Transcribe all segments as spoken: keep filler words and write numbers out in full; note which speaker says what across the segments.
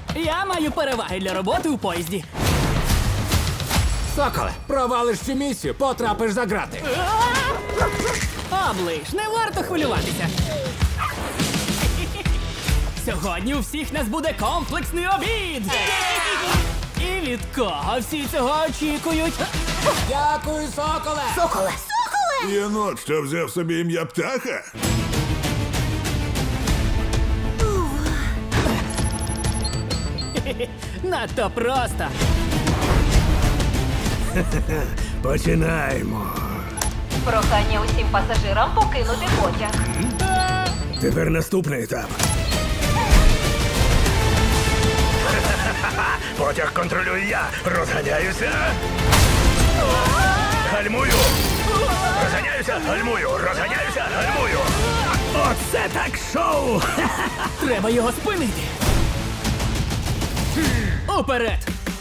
Speaker 1: Я маю переваги для роботи у поїзді.
Speaker 2: Соколе, провалиш цю місію, потрапиш за грати.
Speaker 1: Оближ, не варто хвилюватися. Сьогодні у всіх нас буде комплексний обід. І від кого всі цього очікують?
Speaker 2: Дякую, соколе!
Speaker 3: Соколе! Соколе!
Speaker 4: Єнот, що взяв собі ім'я птаха?
Speaker 1: Надто просто.
Speaker 5: Починаємо.
Speaker 6: Прохання усім пасажирам покинути потяг.
Speaker 5: Тепер наступний етап. Потяг контролюю я. Розганяюся. Гальмую. Розганяюся, гальмую. Розганяюся, гальмую. Оце так шоу!
Speaker 1: Треба його спинити. Уперед!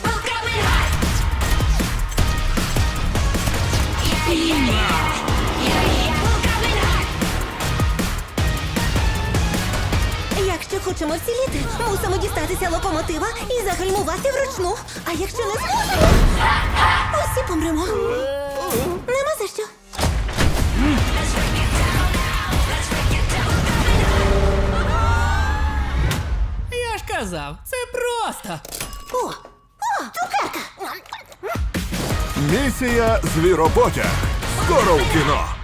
Speaker 3: Якщо хочемо вціліти, мусимо дістатися локомотива і загальмувати вручну. А якщо не зможемо, усі помремо. Нема за що.
Speaker 1: Я ж казав, це просто.
Speaker 3: О, о, цукерка.
Speaker 4: Місія Звіропотяг. Скоро в кіно.